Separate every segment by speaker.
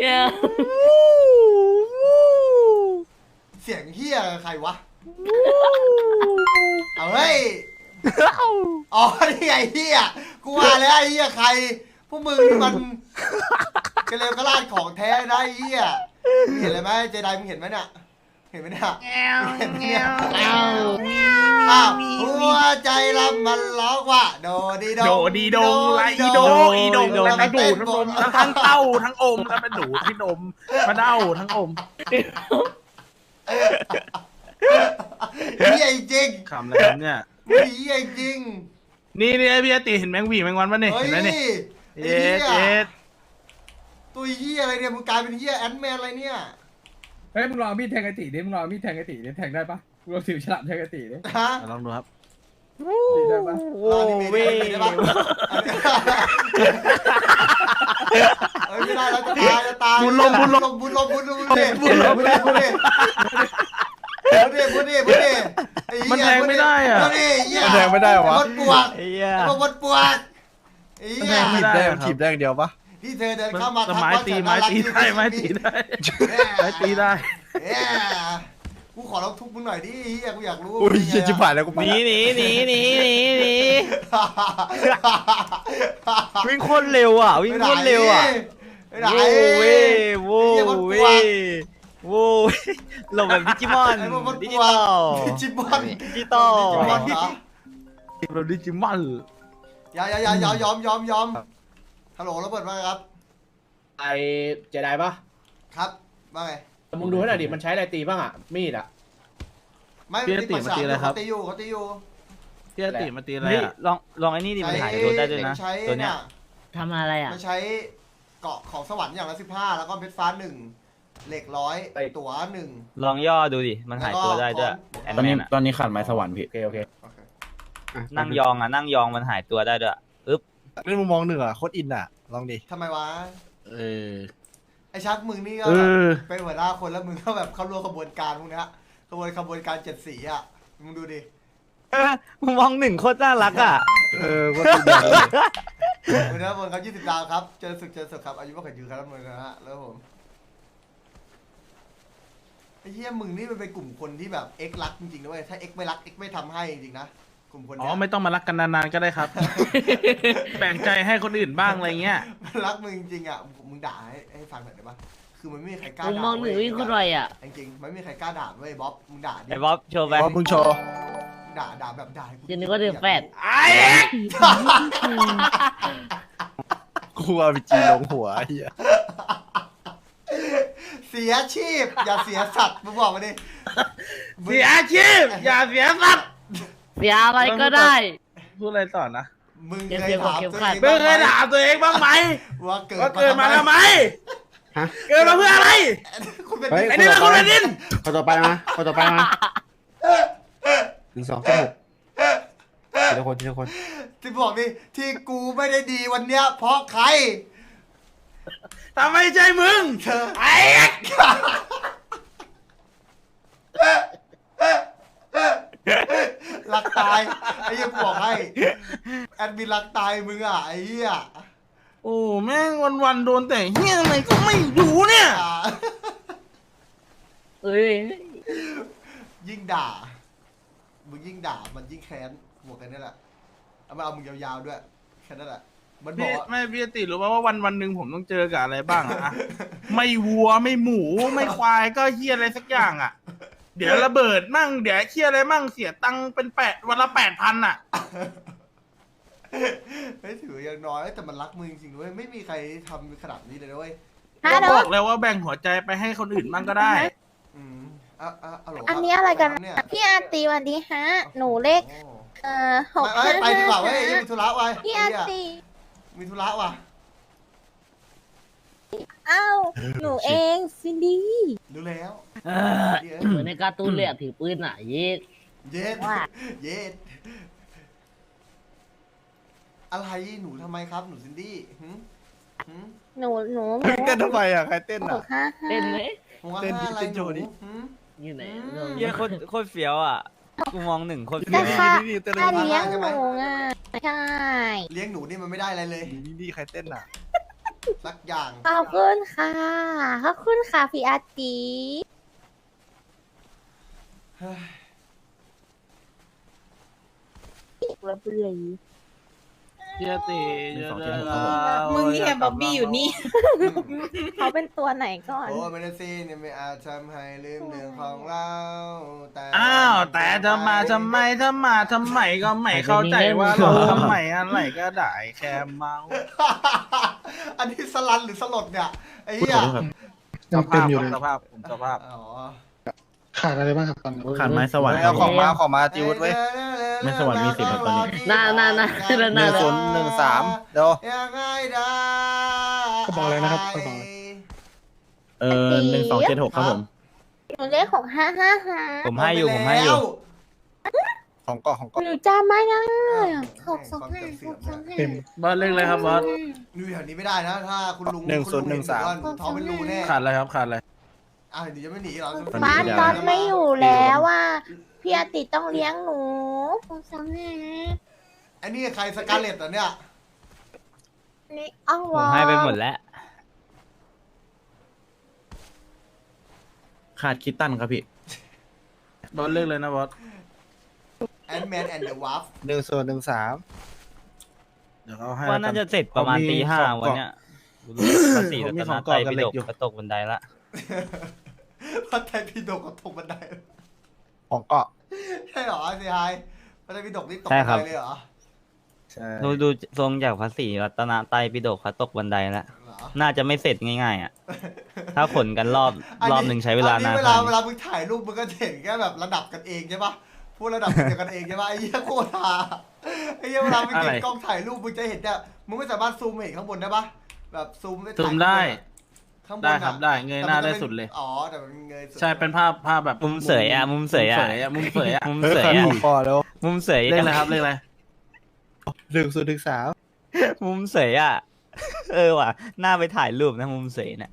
Speaker 1: เสียงเฮียใครวะเอาเฮ้ยอ๋อนี่ไงเฮียกูว่าแล้วไอ้เฮียใครพวกมึงมันกระเลวกระลาดของแท้นะไอ้เฮียมึงเห็นเลยไหมเจไดมึงเห็นไหมเนี่ยเห็นไหมเนี่ยเห็นไหมเนี่ยอ้าวหัวใจเรามันร้องว่าโดดีโด
Speaker 2: โดดีดงไรอีโดอีดงแล้วก็ดูดทั้งอมทั้งเต้าทั้งอมแล้วเป็นดูดที่นมมาเด้าทั้งอม
Speaker 1: เฮียจริง
Speaker 2: คำอะไรครับเนี่ย
Speaker 1: เฮียจริง
Speaker 2: นี่พี่อติเห็นแมงหวีแมงวันป่ะเนี่ย
Speaker 1: เฮ้ย
Speaker 2: เห็นไหมเนี่ย
Speaker 1: ไอ้
Speaker 2: เย็
Speaker 1: เฮี
Speaker 2: ด
Speaker 1: ย
Speaker 2: เย็ด
Speaker 1: ตัวเฮียอะไรเนี่ยมึงกลายเป็นเฮียแอนด์แมนอะไรเนี่ย
Speaker 3: เฮ้ยมึงลองมีดแทงไอติดิมึงลองมีดแทงไอติดิแทงได้ปะมึงลองถือฉลามแทงไอติดิ
Speaker 1: ฮะ
Speaker 2: ลองดูครับ
Speaker 3: ได้ปะ
Speaker 1: รอนี่เมย์ได้ปะเฮ้ยไม่ได้แล้วจะตายบุญลมบุญดิมันแทงไม่ได้อ่ะมันแทงไม่ได้วะมดปวกไอ้เหี้ยมดปวกไอ้เหี้ย
Speaker 4: ถีบได้ถีบได้อย่างเดียวปะ
Speaker 1: ที่เธอเดินเข้ามา
Speaker 2: ไม้ตีได้
Speaker 1: กูขอร้องทุบมึงหน่อยดิเฮียกูอยากรู้
Speaker 4: อุ้ยเชี่ยชิบหายแล้วกู
Speaker 5: หนีวิ่งโคตรเร็วอ่ะวิ่งโคตรเร็วอ่ะ
Speaker 1: ไม่ไหน
Speaker 5: โว้หลบแบบดิจิมอนดิจิตอล
Speaker 1: ดิจิมอน
Speaker 5: ดิจิตอล
Speaker 2: เราดิจิมอน
Speaker 1: ยอมฮัลโหลระเบิดมาครับ
Speaker 6: ไอเจไดปะ
Speaker 1: ครับว่าไง
Speaker 6: มึงดูให้หน่อยดิมันใช้อะไรตีบ้างอ่ะมีดอ่ะ
Speaker 1: ไม่ตีอยู่เขาตีอยู่
Speaker 2: พี่อติมาตีอะไร
Speaker 5: เฮ้ย
Speaker 2: อ่ะ
Speaker 5: ลองไอ้นี่ดิมันหายตัวได้ด้วยนะตัวเนี้ย
Speaker 7: ทำอะไรอ่ะ
Speaker 1: มันใช้เกาะของสวรรค์อย่างละ15แล้วก็เพชรฟ้า1เหล็ก100ตั๋ว1
Speaker 5: ลองย่อดูดิมันหายตัวได้ด้วยแอนแมน
Speaker 4: ตอนนี้ขาดไม้สวรรค์พี่
Speaker 6: โอเค
Speaker 5: นั่งยองมันหายตัวได้ด้วยอึ๊บ
Speaker 4: เล่นมุมมองหนึ่งอ่ะโคตรอินอ่ะลองดิ
Speaker 1: ทำไมวะ
Speaker 2: เออ
Speaker 1: ไอชักมึงนี่ก็เป็นหัวหน้าคนแล้วมึงก็แบบเข้าร่วมขบวนการพวกนี้ขบวนการ7 สีอ่ะมึงดูดิ
Speaker 5: มึงมองหนึ่งโคตรน่ารักอ่ะ
Speaker 4: โคตรอิน
Speaker 1: วันนี้บนเขา20 ดาวครับเจอศึกครับอายุมากกว่ายืนครับมือนะฮะแล้วผมไอ้เหี้ยมึงนี่มันเป็นกลุ่มคนที่แบบเอ็กรักจริงๆด้วยถ้าเอ็กไม่รักเอ็กไม่ทำให้จริงๆนะกลุ่มคน
Speaker 2: อ๋
Speaker 1: เนี้
Speaker 2: อย ไม่ต้องมารักกันนานๆก็ได้ครับ แบ่งใจให้คนอื่นบ้างอะไรเงี้ย
Speaker 1: มันรักมึงจริงๆอ่ะมึงด่าให้ฟังหน่อยได้ปะคือมันไม่มีใครกล้า
Speaker 7: มึง
Speaker 1: ด่าม
Speaker 7: องหนึ่งวิ่งโคตรไวอ่ะ
Speaker 1: จริงๆมันไม่มีใครกล้าด่าเว้ยบ๊อบมึงด่าดิ
Speaker 5: ไอ้บ๊อบโชว์ไป
Speaker 4: พอมึงโชว์
Speaker 1: ด่าแบบด่าให้กู
Speaker 7: เดี๋ยวนี้ก็เดือดแปด
Speaker 4: กูเอาไปจีลงหัวเฮีย
Speaker 1: เสียชีพอย่าเสียสัตว์มึงบอกมาดิ
Speaker 2: เสียอาชีพอย่าเสียทรัพย์
Speaker 7: เสียอะไรก็ได้
Speaker 2: พูดอะไรต่อนะ
Speaker 1: มึงเคยถามตัวเอง
Speaker 2: ไม่เคยถามตัวเองบ้างไหม
Speaker 1: ว่าเกิ
Speaker 2: ว่าเกิดมาทำไม
Speaker 4: ฮะ
Speaker 2: เกิดมาเพื่ออะไร
Speaker 1: คุณเป็น
Speaker 2: ไอ้นี่เป็นคนเป็นดิน
Speaker 4: คนต่อไปมา1 2 3 6ทีละคน
Speaker 1: ที่บอกดิที่กูไม่ได้ดีวันเนี้ยเพราะใคร
Speaker 2: ทำไมใจมึง
Speaker 1: เธอ
Speaker 2: ไอ้
Speaker 1: รักตายไอ้เหี้ยกูบอกให้แอดมินรักตายมึงอ่ะไอ้เหี้ย
Speaker 2: โอ้แม่งวันๆโดนแต่เฮี้ยอะไรก็ไม่รู้เนี่ย
Speaker 7: เอ้ย
Speaker 1: ยิ่งด่ามึงยิ่งด่ามันยิ่งแค้นบอกกันนี่แหละเอามาเอามึงยาวๆด้วยแค่นั้นแหละมันบอ
Speaker 2: พี่
Speaker 1: กว่า
Speaker 2: ไม่พี่ติรู้ป่าว่าวันหนึ่งผมต้องเจอกับอะไรบ้างอะไม่วัวไม่หมูไม่ควายก็เฮี้ยอะไรสักอย่างอะเดี๋ยวระเบิดมั่งเดี๋ยวเฮี้ยอะไรมั่งเสียตังค์เป็นวันละ8,000อะ
Speaker 1: เฮ้ยถืออย่างน้อยแต่มันรักมึงจริงๆด้วยไม่มีใครทำขนาดนี้เลยด้วย
Speaker 2: ก็บอกแล้วว่าแบ่งหัวใจไปให้คนอื่นบ้างก็ได้
Speaker 8: อันนี้อะไรกันพี่อาตีวันดีฮะ หนูเลข6
Speaker 1: ไปดีกว่าเว้ยมีธุระไว้
Speaker 8: พี่อาตี
Speaker 1: มีธุระว่ะ
Speaker 8: อ้าวหนูเองซินดี้
Speaker 1: รู้แล้ว
Speaker 7: เหมือนในการ์ตูนเลยอะถือปืนอ่ะเย็ด
Speaker 1: เย็ดเย็ดอะไรหนูทำไมครับหนูซินดี้
Speaker 8: หนู
Speaker 4: เต้นทำไมอ่ะใครเต้นอ่ะ
Speaker 7: เต้นไหม
Speaker 4: เต้นดิเต้นโชว์ดิ
Speaker 7: อยู่ไหน
Speaker 5: เหี้ยโคตรเฟี้ยวอ่ะกูมองหนึ่งโคตร
Speaker 8: แต่
Speaker 5: เฟี้ยว
Speaker 8: ค่ะ
Speaker 4: นี่เต้น
Speaker 8: ถ้าเลี้ยงหนูอ่ะใช่
Speaker 1: เลี้ยงหนูนี่มันไม่ได้อะไรเลย
Speaker 4: นี่ใครเต้นอ่ะ
Speaker 1: สักอย่าง
Speaker 8: ขอบคุณค่ะขอบคุณค่ะพี่อาตี
Speaker 1: เฮ้ย
Speaker 8: เราเป็นเลย
Speaker 2: เฮียตี
Speaker 9: มึงเนี่ยบ๊อบบี้อยู่นี่
Speaker 8: เขาเป็นตัวไหนก่อน
Speaker 1: โอ้เมเนซี่เนี่ยไม่อาจทำให้ลืมเรื่องของเราแต่
Speaker 2: อ้าวแต่ทำไมก็ไม่เข้าใจว่าเราทำไมอะไรก็ได้แค่เมา
Speaker 1: อันนี้สลันหรือสลดเนี่ยไอ้เหี้ย
Speaker 2: สภาพสภาพผมสภาพ
Speaker 1: อ๋อ
Speaker 10: ขาดอะไรบ้างครับตอนนี้
Speaker 4: ขาดไม้สวรรค์
Speaker 5: เอาของมาติวไว้
Speaker 4: ไม่สวรรค์มี10ครับตอนนี้
Speaker 7: น่า
Speaker 5: 1013เดี๋ยว
Speaker 1: ยังไงได้
Speaker 10: ก็บอกเลยนะครับก็บอกเลย
Speaker 4: 1276ครับผม
Speaker 8: หนูเลขของ555
Speaker 5: ผมให้อยู่ ของเกาะ
Speaker 8: หนูจำไม่ได้625
Speaker 10: เต็ม
Speaker 2: บอสเล่นเลยครับบอส
Speaker 1: ดูแถวนี้ไม่ได้นะ ถ้าคุณลุง
Speaker 4: 1013
Speaker 1: หนูท้องเป็นรูแน่
Speaker 2: ขาดอะไรครับขาดอะไร
Speaker 1: อ้าวเดี๋ยวจะไม่หนีเหรอ
Speaker 8: บ้านตอนไม่อยู่แล้วว่าพี่อาติต้องเลี้ยงหนู625
Speaker 1: ไอ้นี่ใครสการเลตอ่ะเนี่ย
Speaker 8: นี่อ้าว
Speaker 5: ผมให้ไปหมดแล้ว
Speaker 4: ขาดคิตตันครับพี่
Speaker 2: บอสเล่นเลยนะบอส
Speaker 1: แอนด์แมนแอนด์เดอะวาร์ฟ
Speaker 5: 1013
Speaker 2: เดี๋ยวเขาให้
Speaker 5: ว่าน่าจะเสร็จประมาณตีห้าวันเนี้ยภาษี
Speaker 2: ผมมี
Speaker 5: รัต
Speaker 2: ข
Speaker 5: น
Speaker 2: อง
Speaker 5: ไตร
Speaker 2: เกาะกับ
Speaker 5: ปิ
Speaker 2: เหล็
Speaker 5: ฎ
Speaker 2: ก
Speaker 5: ก
Speaker 2: อยู่
Speaker 5: กระตกบันไดละ
Speaker 1: พระไตรปิฎกกับตกบันได
Speaker 5: ของเกาะ
Speaker 1: ใช่เหรอสิไฮพระไตรปิฎกนี่ตก
Speaker 5: ใช่
Speaker 1: บัน
Speaker 5: ครั
Speaker 1: ได
Speaker 5: บ
Speaker 1: เลยเหรอ
Speaker 5: ใช่ดูทรงจากภาษีรัตนไตรปิฎกเขาตกบันไดแล้ว
Speaker 1: เหรอ
Speaker 5: น่าจะไม่เสร็จง่ายๆอ่ะ ถ้าขนกันรอบหนึ่งใช้เวลานาน
Speaker 1: เว
Speaker 5: ข
Speaker 1: ลา
Speaker 5: นาด
Speaker 1: เว
Speaker 5: นี้
Speaker 1: ลามึงถ่ายรูปมึงก็เห็นแค่แบบระดับกันเองใช่ปะพูดระดับเดียวกันเองใช่ปะไอ้เหี้ยโคตรฮาไอ้เหี้ยเวลามึงเก็บกล้องถ่ายรูปมึงจะเห็นเนี่ยมึงไม่สามารถซูมเห็นข้างบนได้ปะแบบซูม
Speaker 2: ซูมได้
Speaker 1: ข้างบน
Speaker 2: ได้
Speaker 1: อะ
Speaker 2: ครับได้เงยหน้าได้สุดเลย
Speaker 1: อ๋อแต่มันเงยสุด
Speaker 2: ใช่เป็นภาพแบบ
Speaker 5: มุมเสยอ่ะมุมเสยอ่ะ
Speaker 2: มุมเสยอ่ะ
Speaker 5: มุมเสยอ่ะ
Speaker 4: พอแล้ว
Speaker 5: มุมเสย
Speaker 2: เล่นเลยครับเล่นเลย
Speaker 4: 1013
Speaker 5: มุมเสยอ่ะ ว่ะหน้าไปถ่ายรูปนะมุมเสยเนี่ย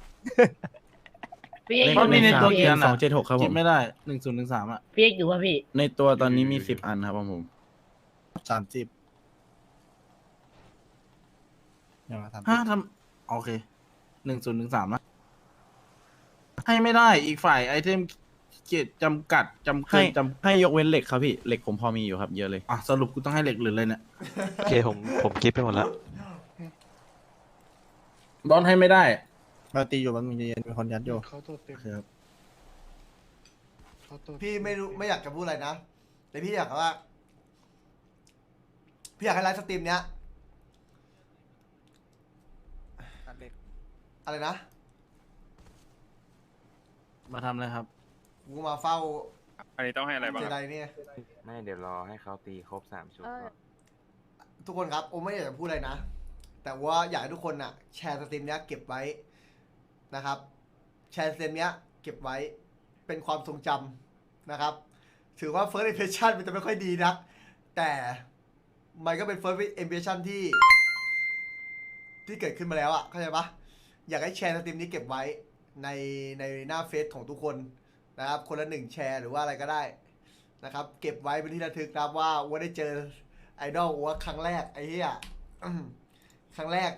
Speaker 7: พี่เอก
Speaker 2: เพราะมีในตัว
Speaker 7: พี่
Speaker 2: เกี
Speaker 7: เอย ก
Speaker 2: ร์น่ะ
Speaker 4: 276ครับผ
Speaker 2: คิด
Speaker 4: ม
Speaker 2: ไม่ได้1013อ่ะ
Speaker 7: พี่เอกอยู่ป่ะพี่
Speaker 4: ในตัวตอนนี้มี10อันครับผม
Speaker 5: 30
Speaker 2: ฮะทำโอเค1013นะให้ไม่ได้อีกฝ่ายไอเทมเกียรจำกัดจำเกิ
Speaker 4: ให้
Speaker 2: นจำ
Speaker 4: ให้ยกเว้นเหล็กครับพี่เหล็กผมพอมีอยู่ครับเยอะเลย
Speaker 2: อ่ะสรุปกูต้องให้เหล็กหรือเลยเนี่ย
Speaker 11: โอเคผมคิดไปหมดแล้ว
Speaker 2: บอลให้ไม่ได้
Speaker 5: เราตีอยู่มันมีคนยัดอยู่
Speaker 10: เขาตัวเต็ม
Speaker 2: ครับ
Speaker 10: เขาตัว
Speaker 1: พี่ไม่รู้ไม่อยากจะพูดอะไรนะแต่พี่อยากว่าพี่อยากให้ไลฟ์สตรีมเนี้ยอะไรนะ
Speaker 2: มาทำอะไรครับ
Speaker 1: กูมาเฝ้า
Speaker 11: อันนี้ต้องให้อะไรบ้าง
Speaker 1: เจไดเนี่ย
Speaker 11: ไม่เดี๋ยวรอให้เขาตีครบ3 ชุดก่อน
Speaker 1: ทุกคนครับโอไม่อยากจะพูดอะไรนะ แต่ว่าอยากให้ทุกคนอ่ะ แชร์สตรีมเนี้ยเก็บไว้นะครับ แชร์สตรีมเนี้ยเก็บไว้เป็นความทรงจำนะครับ ถือว่า first impression มันจะไม่ค่อยดีนักแต่มันก็เป็น first impression ที่เกิดขึ้นมาแล้วอ่ะเข้าใจปะอยากให้แชร์สตรีมนี้เก็บไว้ในหน้าเฟซของทุกคนนะครับ คนละ1แชร์หรือว่าอะไรก็ได้นะครับ เก็บไว้เป็นที่ระลึกนะครับว่าได้เจอไอดอลว่าครั้งแรกไอ้เหี้ย ครั้งแรก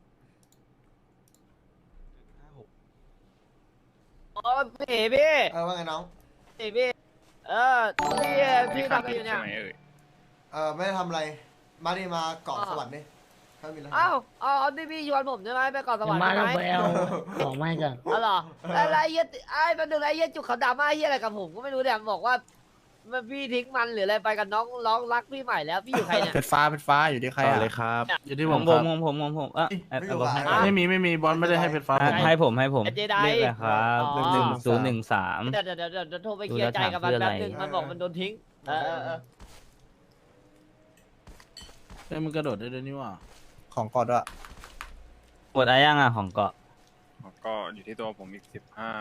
Speaker 7: อ๋อพี่
Speaker 1: ว่าไงน้อง
Speaker 7: พี่พี่พี่ทำอะไรอยู่เนี่ย
Speaker 1: ไม่ได้ทำอะไร มาดิมาเกาะสวรรค์นี่ถ้ามีอะไร
Speaker 7: อ้าวที่พี่ชวนผมใช่ไหมไปเกาะสวรรค์
Speaker 9: มา
Speaker 7: ใช่
Speaker 9: แล้ว
Speaker 7: ไหม
Speaker 9: ไปเอาของมาก่อน
Speaker 7: อ๋อเหรอแล้วไอ้เหี้ยแป๊บนึงไอ้เหี้ยจุกเขาดราม่าเหี้ยอะไรกับผมก็ไม่รู้เนี่ยบอกว่าพี่ทิ้งมันหรืออะไรไปกับน้องรักพี่ใหม่แล้วพี่อยู่ใครเนี่ย
Speaker 5: เป็นฟ้าอยู่ที่ใคร
Speaker 4: ต่อ
Speaker 5: อ่ะ
Speaker 4: เลยครับ
Speaker 2: อยู่ที่
Speaker 5: ข
Speaker 2: ผ
Speaker 5: อง
Speaker 2: ม
Speaker 5: ผ
Speaker 2: ครับ
Speaker 5: มบอลให้
Speaker 2: ไม่มีบอลไม่ได้ให้เพชรฟ้าผม
Speaker 5: ให้ผม
Speaker 7: ไอ้เจได
Speaker 5: เรียกอะไรครับ
Speaker 7: อ๋อ
Speaker 5: 1013
Speaker 7: เดี๋ยวโทรไปเคลียร์ใจกับมันแป๊บนึงมันบอกมันโดนทิ้งเออ
Speaker 2: เอ้ยมันกระโดดได้ด้วยนี่หว่า
Speaker 5: ของกอดอ่ะหมดอะไรยังอ่ะของเกาะ
Speaker 11: ก็อยู่ที่ตัวผมอีก 15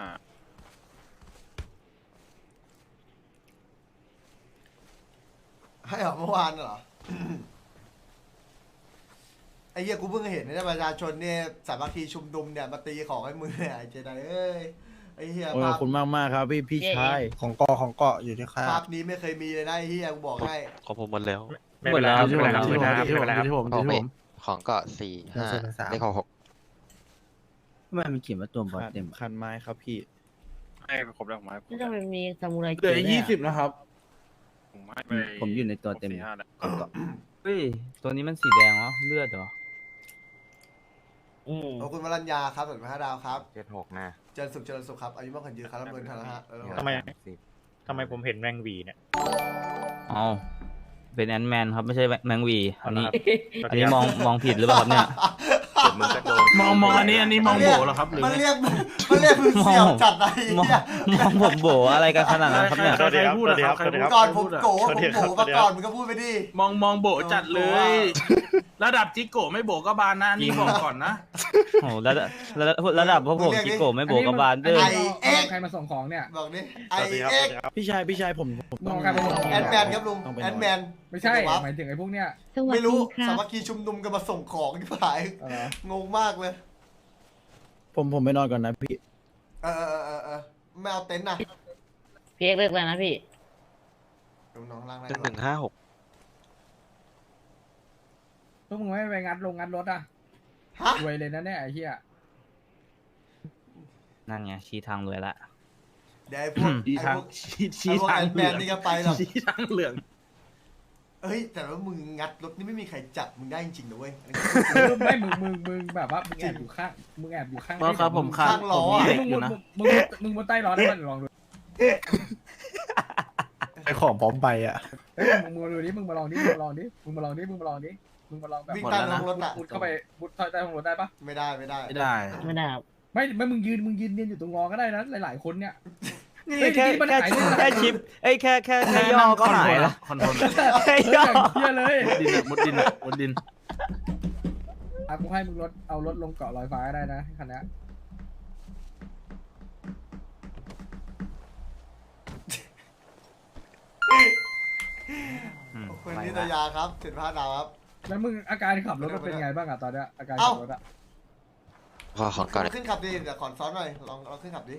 Speaker 1: ให้เหรอเมื่อวานเหรอ ไอ้เหี้ยกูเพิ่งเห็นนะประชาชนเนี่ยสามัคคีชุมนุมเนี่ยมาตีของให้มือเนี่ยไอ้เจไดเอ้ยไอ้เหี้ย
Speaker 4: โอ้ยขอบคุณมากๆครับพี่ชาย
Speaker 5: ของเกาะอยู่ที่ใคร
Speaker 1: ภาพนี้ไม่เคยมีเลยนะไอ้เหี้ยกูบอกให้
Speaker 11: ของผมหมดแล้ว
Speaker 5: หมดแล้ว
Speaker 2: อยู่ที่ผมอยู่ที่ผม
Speaker 11: ของก็4 5เลขของ6
Speaker 5: ไมมันเขียนว่าตัวบอสเต็ม
Speaker 4: คันไม้ครับพี่
Speaker 11: ให้ครบแล้วผมให้
Speaker 9: ไม่ต้องมีซามูไร
Speaker 2: เหลือ20นะครับ
Speaker 11: ผมให้ไป
Speaker 5: ผมอยู่ในตัวเต็ม
Speaker 11: 4-5แล้ว
Speaker 5: เฮ้ยตัวนี้มันสีแดงเหรอเลือดเหรอ
Speaker 1: ขอบคุณวรัญญาครับส่วน5 ดาวครับ
Speaker 11: 76นะ
Speaker 1: เจริญสุขครับอายุมากขวัญยืนครับรับเงินทันนะฮะ
Speaker 11: ทำไม
Speaker 10: ทำไมผมเห็นแมงวีเนี่ย
Speaker 5: อ๋อเป็นแอนด์แมนครับไม่ใช่แมงวีอันนี้
Speaker 10: เอาละครับ
Speaker 5: อันนี้มองผิดหรือเปล่าครับเนี่ย
Speaker 11: เดี๋ยวมึงก็โดน
Speaker 2: มองอันนี้มองโบเหรอครับหรือ
Speaker 1: มัน
Speaker 2: ไง
Speaker 1: เรียกมึงเสี่ยวจัดไอ้
Speaker 5: มอง
Speaker 1: เหี้ย
Speaker 5: มองผมโบอะไรกันขนาดนั้นครับเนี่ย
Speaker 2: ใครพูดอะครับใครพูด
Speaker 1: ก่อนผม
Speaker 2: อะ
Speaker 1: โกมาก่อนมึงก็พูดไปดิ
Speaker 2: มองโบจัดเลย ระดับจิโกะไม่โบก็บานนะอันนี่บอกก่อนนะ
Speaker 5: โอ้ระดับพวกผมกิโกะไม่โบกับบานเด้อ
Speaker 3: ใครมาส่งของเนี่ย
Speaker 1: บอกดิไอเอ็ก
Speaker 4: พี่ชายผม
Speaker 3: มองใครมาส่งของ
Speaker 1: แอนแมนครับลุงแอนแมน
Speaker 3: ไม่ใช่หมายถึงไอ้พวกเนี้ย
Speaker 1: ไม่รู้สามัคคีชุมนุมกันมาส่งของที่ผาย
Speaker 3: เอาเหรอ
Speaker 1: งงมากเลย
Speaker 4: ผมไปนอนก่อนนะพี่
Speaker 1: ไม่เอาเต็นท์นะ
Speaker 9: พี่เอกเลิกแล้วนะพี่
Speaker 1: น้องล่างได้
Speaker 11: 1156
Speaker 3: พวกมึงไม่ไปงัดรถอ่ะ
Speaker 1: ฮะ
Speaker 3: รวยเลยนะเนี่ยไอ้เหี้ย
Speaker 5: นั่นไงชี้ทางรวยละ
Speaker 1: เดี๋ยวไอ้พวก
Speaker 2: ชี้ทาง
Speaker 1: ไอ้พวกแอนแมนนี่ก็ไปหรอก
Speaker 2: ชี้ทางเหลือง
Speaker 1: เฮ้ยแต่ว่ามึงงัดรถนี่ไม่มีใครจับมึงได้จริงๆนะเว้ย
Speaker 3: ไม่มึงแบบว่ามึงแอบอยู่ข้าง
Speaker 2: เพราะครับผมขาด
Speaker 1: ข้างล้อ
Speaker 2: ผมมี
Speaker 1: อะ
Speaker 2: เหล็กอยู่นะ
Speaker 3: มึงบนใต้ล้อได้มันลองดู
Speaker 4: ไอของพร้อมไปอ่ะ
Speaker 3: เฮ้ยมึงมาดูดิมึงมาลองดิมึงมาลองแบบ
Speaker 1: วิ่งใต้ท้องรถอ่ะ
Speaker 3: มุดเข้าไปมุดใต้ท้องรถได้ปะ
Speaker 1: ไม่ได้
Speaker 2: ไม่ได้
Speaker 9: ไม่ได้ครับ
Speaker 3: ไม่มึงยืนเนียนอยู่ตรงงอก็ได้นะหลายๆคนเนี่ย
Speaker 5: แค่ชิปแค่ย่อก็หายแล้ว
Speaker 2: คอนโทรล
Speaker 3: เฮ้ยอย่างเหี้ยเลย
Speaker 2: มุดดิน
Speaker 3: อ่ะกูให้มึงเอารถลงเกาะลอยฟ้าได้นะคันนี้
Speaker 1: คุณนิตยาครับ15 ดาวครับ
Speaker 3: แล้วมึงอาการขับรถมันเป็นไงบ้างอะตอนเนี้ยอาการขับรถอะ
Speaker 11: ขอก่อน
Speaker 1: ขึ้นขับดิเดี๋ยวขอซ้อนหน่อยลองขึ้นขับดิ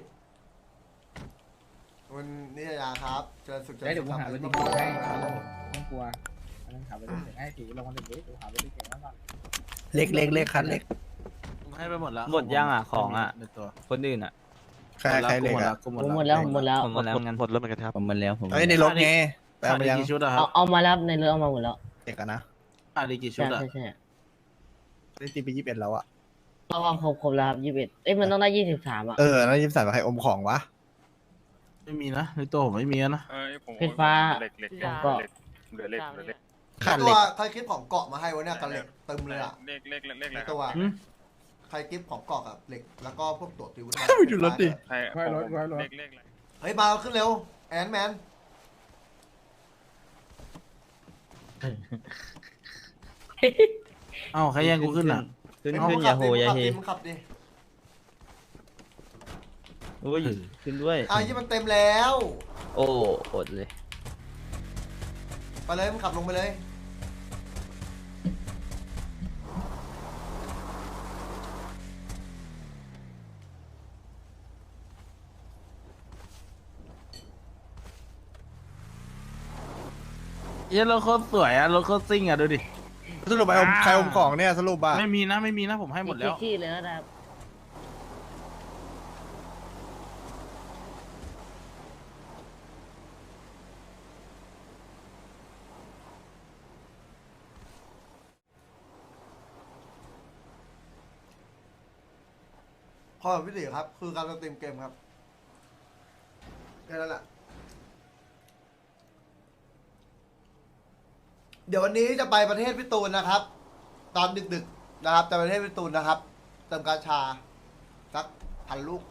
Speaker 1: คุณนิตยาครับเจริญสุข
Speaker 3: เดี๋ยวกูหารถดีๆให้ต้องกลัวต้องขับรถดีๆให้ตีลงมาหนึ่งดิกูหารถดีๆมาก่อน
Speaker 4: เล็กคันเล็ก
Speaker 2: ให้ไปหมดแล้ว
Speaker 5: หมดยังอ่ะของอ่ะ
Speaker 2: ในตัว
Speaker 5: คนอื่นอ่ะ
Speaker 4: ใครเล็กอ่ะ
Speaker 2: กูหม
Speaker 9: ผม
Speaker 2: ด
Speaker 9: หมด
Speaker 2: แล้ว
Speaker 9: แล้ว
Speaker 5: ผมหมดแล้วงั้น
Speaker 11: หมดแล้วเหมือนกันครับ
Speaker 5: ผมหมดแล้วผม
Speaker 4: เอ้ยในรถไงแปล
Speaker 2: ขาด
Speaker 4: มา
Speaker 2: อีก
Speaker 4: ยัง
Speaker 2: กี่ชุดอะครับ
Speaker 9: เอามาแล้วในเรือเอามาหมดแล้ว
Speaker 4: เด็กอะนะ
Speaker 2: ขาดอีกกี่ชุ
Speaker 9: ใช่
Speaker 2: ดอะ
Speaker 9: ใช่
Speaker 4: ได้ตีไป21แล้วอ่ะ
Speaker 9: เอาครบแล้วครับ21เอ้ยมันต้องได้23อ่ะ
Speaker 4: แล้ว23ใครอมของวะ
Speaker 2: ไม่มีนะในตัวผมไม่มีนะ
Speaker 11: ผม
Speaker 9: เพชรฟ้า
Speaker 11: เหล็ก
Speaker 9: ก็
Speaker 11: เหลือเหล็ก
Speaker 4: ขาด
Speaker 1: ตั
Speaker 4: เหล็
Speaker 1: ว
Speaker 4: ก
Speaker 1: ใครคลิปของเกาะมาให้วะเนี่ยกันเหล็กเต็มเลยอ่ะ
Speaker 11: เหล็กอะไร
Speaker 1: ตัว
Speaker 2: หืม
Speaker 1: ใครคลิปของเกาะกับเหล็กแล้วก็พวกตัวติว
Speaker 4: ไปดูรถดิ
Speaker 11: ใคร
Speaker 3: ไว้รถ
Speaker 11: เหล็กอะไร
Speaker 1: เฮ้ยมาขึ้นเร็วแอนแมน
Speaker 2: เอ้าใครแย่งกูขึ้นอ่ะ
Speaker 5: ขึ้นอย่าโหอย่าเฮ
Speaker 1: มึงขับดิ
Speaker 5: อุ้ยขึ้นด้วย
Speaker 1: ยี่มันเต็มแล้ว
Speaker 5: โอ้อดเลย
Speaker 1: ไปเลยมึงขับลงไปเลย
Speaker 2: เย้รถโคตรสวยอะรถโคตรซิ่งอะดูดิ
Speaker 4: สรุปใครอมของเนี่ยสรุปอ่ะ
Speaker 2: ไม่มีนะผมให้หมดแล้ว
Speaker 9: ขี้เลยนะครับ
Speaker 1: ขอแบบวิธีครับ คือการสตรีมเกมครับแค่นั้นแหละเดี๋ยววันนี้จะไปประเทศพี่ตูนนะครับ ตอนดึกๆนะครับจะไปประเทศพี่ตูนนะครับเติมกาชาสัก1,000 ลูก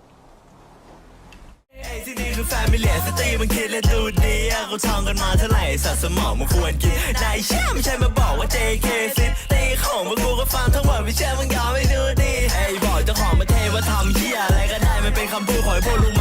Speaker 12: ที่นี่คือแฟมิเลียสตรีมันคิดและดูดีอะเขาท่องกันมาเท่าไหร่สัตว์สมองมันควรกินนายเชื่อไม่ใช่มาบอกว่า JK ซิตีของมึงกูก็ฟังทั้งหมดไม่เชื่อมึงยอมไม่ดูดีไอ้บอกเจ้าของประเทศว่าทำเหี้ยอะไรก็ได้มันเป็นคำพูดของไอ้พวกลุง